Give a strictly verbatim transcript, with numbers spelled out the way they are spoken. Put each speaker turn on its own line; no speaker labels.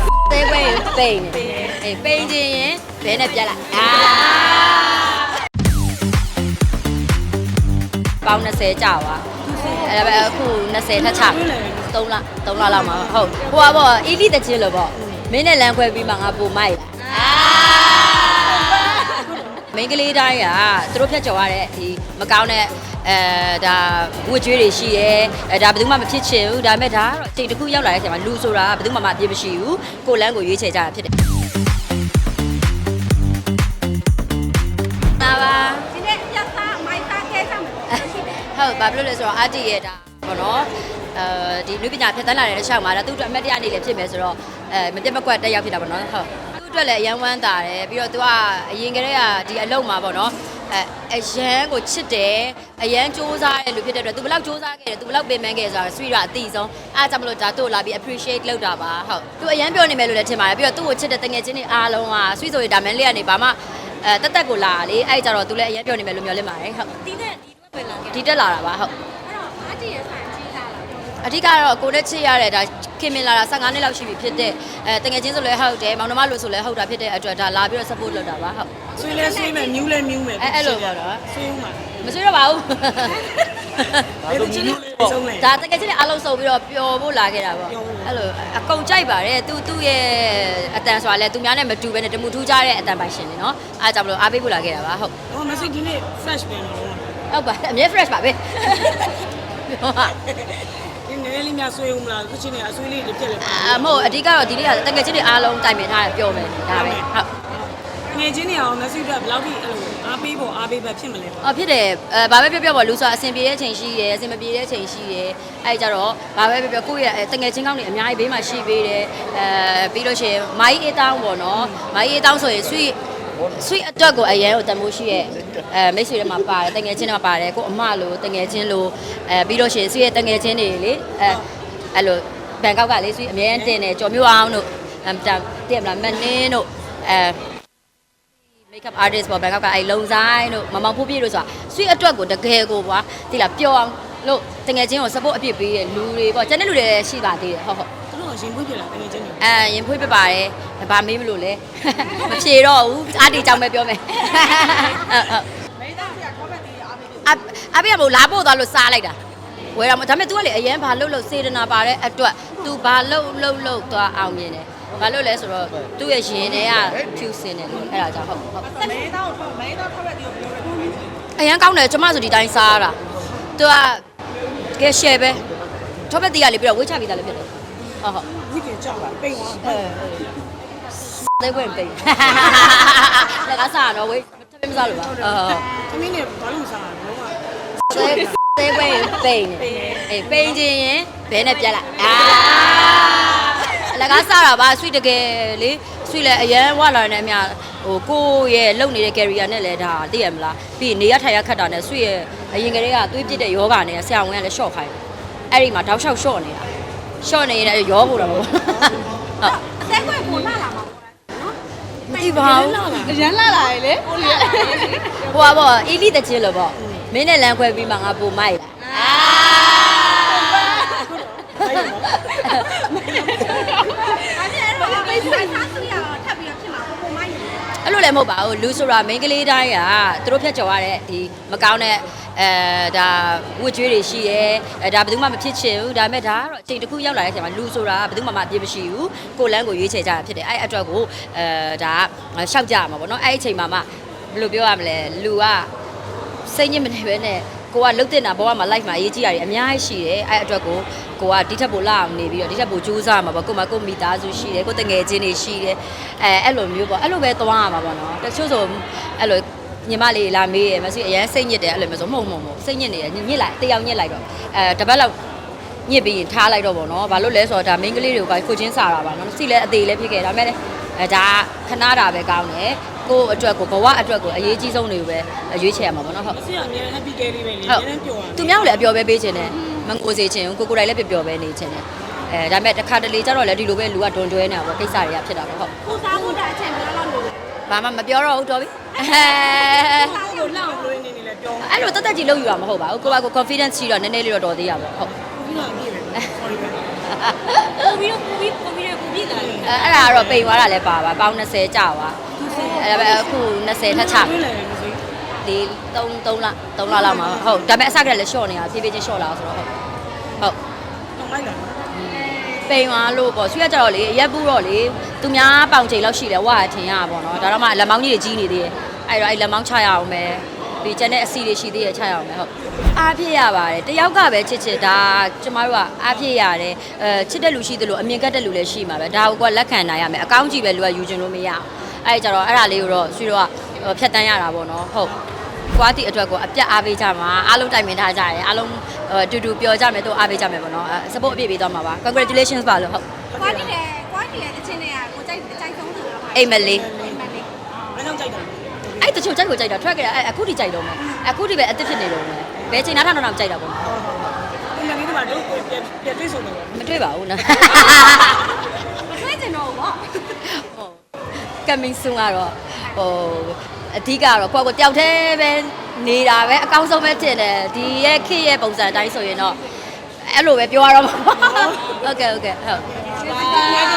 သေးခွဲပိန်အေးပိန်ခြင်းရင်ဘဲနဲ့ပြက်လိုက်အာပေါင်း20ကြာပါအဲ့ဒါပဲအခု20ထက်ချ3လ3လလောက်မှာဟုတ်ဟိုပါပေါ့အီလီတချင်းလို့ပေါ့မင်းနဲ့လမ်းခွဲပြီးမှငါပို့မိုက်လာမိန်းကလေးတိုင်းကသူတို့ဖြတ်ကျော်ရတဲ့ဒီမကောင်းတဲ့အဲဒါဝတ်ကြွေးတွေရှိရဲအဲဒါဘယ်သူမှမဖြစ်ချင်ဘူးဒါပေမဲ့ဒါကတော့အချိန်တစ်ခုရောက်လာတဲ့အချိန်မှာလူဆိုတာဘယ်သူမှမအပြစ်မရှိဘူးကိုလန်းကိုရွေးချယ်ကြတာဖြစ်တယ်ပါပါဒီနေ့ရက်သားမိုက်သားခဲဆောင်မယ်ဟုတ်ဘာဖြစ်လို့လဲဆိုတော့အာတီရဲ့ဒါဘောနော်အဲဒီလူပညာဖြတ်တန်းလာတဲ့တစ်ချောင်းမှာဒါသူ့အတွက်အမတ်တရားနေလည်းဖြစ်မယ်ဆိုတော့အဲမပြတ်မကွက်တက်ရောက်ဖြစ်တာပေါ့နော်ဟုတ်သူ့အတွက်လည်းအရန်ဝမ်းသာတယ်ပြီးတော့သူကအရင်ကတည်းကဒီအလုပ်မှာပေါ့နော်အဲအရန်ကိုချစ်တယ်အရန်စူးစမ်းတဲ့လူဖြစ်တဲ့အတွက် तू ဘယ်လောက်စူးစမ်းခဲ့တယ် तू ဘယ်လောက်ပင်ပန်းခဲ့ဆိုတာဆွေရအတိဆုံးအားကြောင့်မလို့ဒါတို့လာပြီး appreciate လုပ်တာပါဟုတ် तू အရန်ပြောနေမယ်လို့လည်းထင်ပါတယ်ပြီးတော့သူ့ကိုချစ်တဲ့တငယ်ချင်းတွေအားလုံးကဆွေဆိုရဒါမန်လေးကနေဘာမှအဲတက်တက်ကိုလာလေအဲ့ကြတော့ तू လည်းအရန်ပြောနေမယ်လို့မျှော်လင့်ပါတယ်ဟုတ်ဒီနဲ့ဒီတွက်ဝင်လာခဲ့ဒီတက်လာတာပါဟုတ်အဲ့တော့အတီရဲ့ဆိုင်ကြီးလာတာအဓိကတော့ကိုနဲ့ချစ်ရတဲ့ဒါခင်မင်လာတာ15နှစ်လောက်ရှိပြီဖြစ်တဲ့အဲတငယ်ချင်းဆိုလည်းဟုတ်တယ်မောင်နှမလို့ဆိုလည်းဟုတ်တာဖြစ်တဲ့အတွက်ဒါလာပြီးတော့ support လုပ်တာပါဟုတ်
ဆွေးလဲဆွေးမယ်မြူးလဲမြူးမယ်
အဲအဲ့လိုပေါ့နော်
ဆွေးဦးမှာ
မဆွေးတော့ပါဘူး
ဒါဆိုမြူးလေးပေါ့
ဒါတကယ်ချင်းအလုံးစုံပြီးတော့ပျော်ဖို့လာခဲ့တာပေါ့အဲ့လိုအကုန်ကြိုက်ပါတယ်သူသူ့ရဲ့အတန်ဆိုတာလဲသူများနဲ့မတူဘဲနဲ့တမှုထူးကြတဲ့အတန်ပိုင်ရှင်နေနော်အားကြောင့်မလို့အားပေးဖို့လာခဲ့တာပါဟုတ်
ဟော message ဒီနေ့ fresh ပဲနော်
ဟုတ်ပါအမြဲ fresh ပါပဲ
ဒီနေ့လေးများဆွေးဦးမလားသူချင်းနေအဆွေးလေးတွေပြက်လဲ
အမဟုတ်အဓိကတော့ဒီနေ့ကတကယ်ချင်းတွေအားလုံးတိုင်ပင်ထားတယ်ပြောမယ်ဒါပဲဟုတ်
ငယ်ချင်းတွေအောင် message ကဘယ်လောက်ထိအဲ့လိုအားပေးဖို့အားပေးပဲဖြစ်မလဲ
အော်ဖြစ်တယ်အဲဘာပဲပြောပြောပေါ့လူဆိုတာအဆင်ပြေတဲ့ချိန်ရှိတယ်အဆင်မပြေတဲ့ချိန်ရှိတယ်အဲ့ကြတော့ဘာပဲပြောပြောကိုယ့်ရဲ့တငယ်ချင်းကောင်းတွေအများကြီးဘေးမှာရှိပေးတယ်အဲပြီးလို့ရှိရင်မိုင်းအေးတောင်းပေါ့နော်မိုင်းအေးတောင်းဆိုရင်ဆွေဆွေအတွက်ကိုအရန်ကိုတမိုးရှိရဲ့အဲမိတ်ဆွေတွေမှာပါတယ်တငယ်ချင်းတွေမှာပါတယ်ကိုအမလိုတငယ်ချင်းလိုအဲပြီးလို့ရှိရင်ဆွေရဲ့တငယ်ချင်းတွေလေအဲအဲ့လိုဘန်ကောက်ကလေဆွေအများကြီးတင်တယ်ကြော်မျိုးအောင်တို့အဲတည့်မလားမနင်းတို့အဲmakeup artist ပေါ့ဘန်ကောက်ကအဲ့လုံဆိုင်တို့မမောင်ဖိုးပြည့်တို့ဆိုတာဆွေအတွက်ကိုတကယ်ကိုကွာဒီလားပျော်အောင်လို့တငယ်ချင်းကို support အပြည့်ပေးတဲ့လူတွေပေါ့ကျန်တဲ့လူတွေလည်းရှိပါသေးတယ်ဟုတ်ဟုတ်
သူတို့ရင်ဖွေးပြလာတငယ်ချင်းတွေ
အဲရင်ဖွေးပြပါတယ်ဘာမေးမလို့လဲမဖြေတော့ဘူးအားတီကြောင်ပဲပြောမယ်ဟုတ်ဟုတ်
မေးတော့ဆရာ comment တွေအားပေးပြီ
အားပေးရမို့လာပို့သွားလို့စားလိုက်တာဝယ်တော့ဒါပေမဲ့ तू ကလေအရင်ဘာလှုပ်လှုပ်စေတနာပါတဲ့အတွက် तू ဘာလှုပ်လှုပ်လှုပ်သွားအောင်မြင်တယ်ဘာလို့လဲဆိုတော့သူ့ရဲ့ရင်ထဲကဖြူစင်တယ်လို့အဲ့ဒါကြောင့်ဟုတ်ဟုတ်
မေးတော့မေးတော့ထောက်ရက်တီကိုပြောတယ်
အရင်ကောင်းတယ်ကျမဆိုဒီတိုင်းစားရတာသူကကဲ share ပဲထောက်ပက်တီးရလေပြီးတော့ဝေးချပြီးသားလည်းဖြစ်တယ်ဟုတ်ဟုတ်
ဝိကင်ကြောက်လာပိန်သွားအဲ
သေးဝင်ပိန်လက်ကစားတော့ဝေးထပ်မစားလို့ပါဟုတ်
သမီးနဲ့ဘာလို့စားရလဲ
သေးသေးဝင်ပိန်အေးပိန်ခြင်းရင်ဘဲနဲ့ပြက်လိုက်အာလက်ကစားတာပါဆွေတကယ်လေဆွေလည်းအရန်ဝလာနေအများဟိုကိုရဲ့လုံနေတဲ့ career နဲ့လည်းဒါသိရမလားပြီးနေရထိုင်ရခတ်တာနဲ့ဆွေရဲ့အရင်ကတည်းကသွေးပြစ်တဲ့ယောဂနဲ့ဆရာဝန်ကလည်း short ခိုင်းအဲ့ဒီမှာတောက်လျှောက် short နေတာ short နေရင်ရောဖို့တော့ဟုတ်
အသက်ကွယ်ကိုလာလာမှာနော်
မသိပါဘူး
အရန်လာလာလေဟိုလေ
ဟိုပါပေါ့အီလီတချင်းလို့ပေါ့မင်းနဲ့လမ်းခွဲပြီးမှငါပို့မိုက်လာအဲ့လိုလည်းမဟုတ်ပါဘူးလူဆိုတာမိန်းကလေးတိုင်းကသူတို့ဖြတ်ကျော်ရတဲ့ဒီမကောင်းတဲ့အဲဒါဝတ်ကြွေးတွေရှိရဲအဲဒါဘယ်သူမှမဖြစ်ချင်ဘူးဒါပေမဲ့ဒါကတော့အချိန်တစ်ခုရောက်လာတဲ့အချိန်မှာလူဆိုတာဘယ်သူမှမအပြစ်မရှိဘူးကိုလန်းကိုရွေးချယ်ကြတာဖြစ်တယ်အဲ့အတွက်ကိုအဲဒါရှောက်ကြရမှာပေါ့နော်အဲ့အချိန်မှာမှဘယ်လိုပြောရမလဲလူကစိတ်ညစ်မနေပဲနဲ့ကိုကလှုပ်တင်တာဘဝမှာ life မှာအရေးကြီးတာတွေအများကြီးရှိတယ်အဲ့အတွက်ကိုကိုကဒီထက်ပိုလာအောင်နေပြီးတော့ဒီထက်ပိုကြိုးစားမှာပေါ့ကိုမကိုမိသားစုရှိတယ်ကိုတငယ်ချင်းတွေရှိတယ်အဲအဲ့လိုမျိုးပေါ့အဲ့လိုပဲသွားရမှာပေါ့နော်တချို့ဆိုအဲ့လိုညီမလေးလာမေးရမစီအရင်စိတ်ညစ်တယ်အဲ့လိုမျိုးဆိုမဟုတ်မဟုတ်စိတ်ညစ်နေတယ်ညစ်လိုက်တယောက်ညစ်လိုက်တော့အဲတပတ်လောက်ညစ်ပြီးရင်ထားလိုက်တော့ပေါ့နော်ဘာလို့လဲဆိုတော့ဒါမိန်းကလေးတွေကကိုချင်းစားတာပါနော်စီလဲအသေးလဲဖြစ်ခဲ့ဒါပေမဲ့အဲဒါခဏတာပဲကောင်းတယ်ကိုအတွက်ကိုဘဝအတွက်ကိုအရေးကြီးဆုံးတွေကိုပဲရွေးချယ်ရမှာပေါ့နော်ဟုတ်
အစီအမြဲ happy day လေးပဲလေအများကြီးပျော်ရ
သူများကိုလည်းအပျော်ပဲပေးခြင်းနဲ့မငိုစေခြင်းကိုကိုကိုယ်တိုင်လည်းပျော်ပျော်ပဲနေခြင်းနဲ့အဲဒါပေမဲ့တစ်ခါတလေကျတော့လည်းဒီလိုပဲလူကဒွန်တွဲနေတာပေါ့ကိစ္စတွေကဖြစ်တာပေါ့ဟုတ်
ကိုစားဖို့တဲ့အချိန်ဘယ်လောက်လို့
ဘာမှမပြောတော့ဘူးတော်ပြီအဲ
ကိုလောက်လို့နေနေလဲပြော
အဲ့လိုတက်တက်ကြီးလုပ်ယူရမှာမဟုတ်ပါဘူးကိုကကို confidence ရှိတော့နည်းနည်းလေးတော့တော်သေးရပါဟုတ်
ပြီးတော့အပြည့်ပဲ sorry ပဲ
ကိုပြီးတော့ကိုပြီးကိုပြီးတော့ကိုပြီးလာတယ်
အဲ့ဒါကတော့ပိန်သွားတာလည်းပါပါပေါင်း၂၀ကြာပါအဲ့ဒါအခု၂၀ထက်ချ
တွေ့လဲမသိ
ဒီ3 3လ3လလောက်မှာဟုတ်ဒါပေမဲ့အစကတည်းကလည်း short နေတာဖြည်းဖြည်းချင်း short လာဆိုတော့ဟုတ်ဟုတ်
တော့လိုက်တာ
ပိန်သွားလို့ပေါ့ဆွေးရကြတော့လေရက်ပူတော့လေသူများပေါင်ချိန်လောက်ရှိတယ်ဝါထင်ရပါပေါ့နော်ဒါတော့မှလက်မောင်းကြီးတွေကြီးနေသေးတယ်အဲ့တော့အဲ့လက်မောင်းချရအောင်ပဲဒီကျန်တဲ့အစီတွေရှိသေးတယ်ချရအောင်ပဲဟုတ်အားပြည့်ရပါတယ်တယောက်ကပဲချစ်ချစ်ဒါကျမတို့ကအားပြည့်ရတယ်အဲချစ်တဲ့လူရှိသလိုအမြင်ကတ်တဲ့လူလည်းရှိမှာပဲဒါကိုကလက်ခံနိုင်ရမယ်အကောင်းကြီးပဲလူကယူချင်လို့မရအောင်အဲ့ကြတော့အဲ့ဒါလေးကိုတော့ဆွေးတော့ဖြတ်တန်းရတာပေါ့နော်ဟုတ်ကွာတီအတွက်ကိုအပြတ်အားပေးကြမှာအားလုံးတိုင်ပင်ထားကြရတယ်အားလုံးတူတူပြောကြမယ်တို့အားပေးကြမယ်ပေါ့နော် support အပြည့်ပေးသွားမှာပါ congratulations ပါလို့ဟုတ်
ကွာတီတယ်ကွာတီရဲ့တချင်းတွေကကိုကြိုက်ကြိုက်ဆုံးသူလား
အိမ်မလေး
အိမ်မလေး
ဘယ်တော့ကြိုက်တာ
အဲ့တချို့ကြိုက်ကိုကြိုက်တာထွက်ကြတယ်အခုထိကြိုက်တော့မယ်အခုထိပဲအစ်စ်ဖြစ်နေတော့မယ်ဘယ်ချိန်နားထောင်တော့ကြိုက်တာပေါ့
ဒီနေ့ဒီမှာတော့ပြပြတွေ့ဆုံးတော့
မတွေ့ပါဘူးနော်
မထွေးကျင်တော့ဘူးပေါ့
ဟုတ် coming soon ကတော့ဟိုအဓိကတော့ကိုယ့်ကိုတယောက်တည်းပဲနေတာပဲအကောင်းဆုံးပဲဖြစ်တယ်ဒီရဲ့ခေတ်ရဲ့ပုံစံအတိုင်းဆိုရင်တော့အဲ့လိုပဲပြောရတော့မှာဟုတ်ကဲ့ဟုတ်ကဲ့ဟုတ်
ငါ